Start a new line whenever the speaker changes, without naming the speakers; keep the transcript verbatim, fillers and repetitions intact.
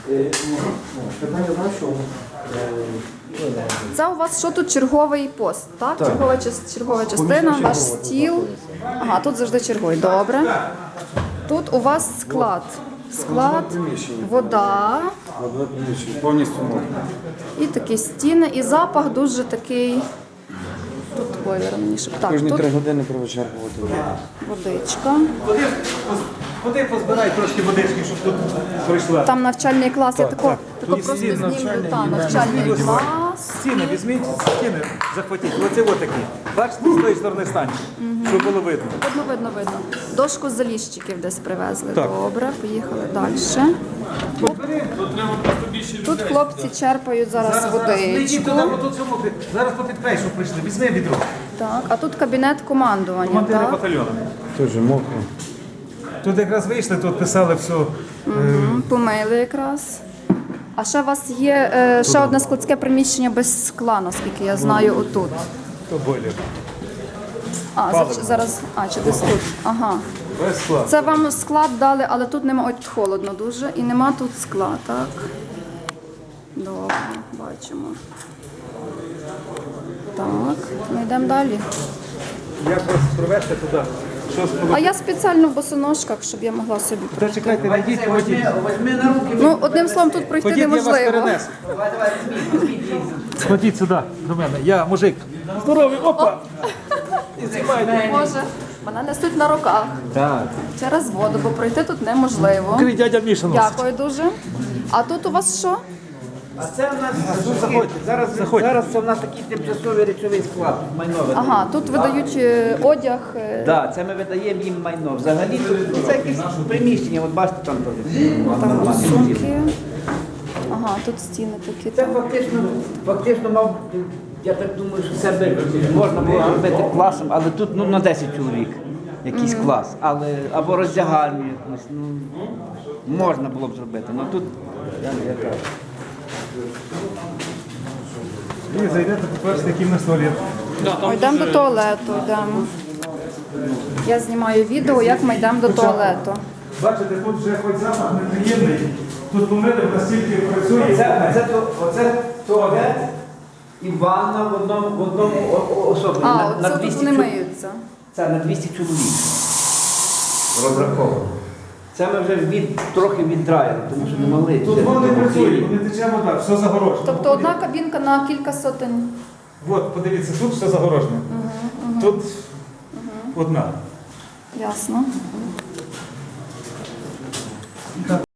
Питання знаєш, що?
Це у вас що тут черговий пост, так? так. Чергова, час- чергова частина, ваш стіл. Ага, тут завжди чергує. Добре. Тут у вас склад. Склад, вода
Повністю можна.
і такі стіни, і запах дуже такий. Тут бойлер мені щоб. Так,
Кожні
тут
три години провичерпувати.
водичка.
Ходи, ходи позбирай трошки водички, щоб тут прийшла.
Там навчальний клас, я тако, тако
Тут
просто
стіни
знімлю.
навчальні,
Та,
і
навчальний
навчальні.
клас.
Стіни, візьміть, стіни захватіть. Оце отакі. Бачите, з тої сторони станьте, щоб було видно.
Видно, видно, видно. Дошку з заліщиків десь привезли.
Так.
Добре, поїхали далі. Тут хлопці черпають зараз
Не йдіть
водичку.
туди, бо тут цьому, зараз по підпейшу прийшли. Візьми відро.
Так, а тут кабінет командування.
Командири
Так?
батальйону.
Дуже мокро.
Тут якраз вийшли, тут писали все.
Мгм, помили якраз. А ще у вас є е, ще одне складське приміщення без скла, наскільки я знаю, отут.
То бойлер.
А, за- зараз, а, чи десь тут. Ага.
Без скла.
Це вам склад дали, але тут нема, от холодно дуже, і нема тут скла, так? Добре, бачимо. Так, ми йдемо далі.
Як вас провести туди? Що з
А я спеціально в босоножках, щоб я могла собі
Та
пройти.
чекайте, найдіть, ходіть.
Ну, одним словом, тут пройти
Ходіть, я вас
неможливо.
перенесу. Ходіть сюди, до мене. Я мужик. Здоровий, опа! І знімайте.
Може, мене несуть на руках
Так.
через воду, бо пройти тут неможливо.
Крий, дядя Міша носить.
Дякую дуже. А тут у вас що?
А це в нас
заходьте,
зараз,
заходьте.
зараз це в нас такий тимчасовий речовий склад, майно видаємо.
Ага, тут видають е, одяг. е,
Да, це ми видаємо їм майно. Взагалі тут ну, це якесь приміщення, от бачите там теж.
Сумки. Ага, тут стіни такі.
Це фактично, фактично мав, я так думаю, що це би можна було робити класом, але тут ну, на десять чоловік якийсь клас. Але, або роздягальню якусь, ну, можна було б зробити. Ну тут, я, я кажу.
І зайдете, по-перше, який в нас туалет.
О, йдемо до туалету, йдемо. Я знімаю відео, як ми йдемо до туалету.
Бачите, тут вже хоч запах неприємний. Тут помили, настільки працює.
Це, це, то- оце туалет і ванна в одному, в одному о- о- особі.
А,
на, на
оце тут
двісті
вони
чол-
миються.
Це на двісті чоловік. Розраховано. Це ми вже від, трохи віддраїли, тому що не могли.
Тут
Це
воно не
тому
працює,
хліб.
не тече вода, все загорожено.
Тобто одна кабінка на кілька сотень.
От, подивіться, тут все загорожено. Тут одна.
Ясно.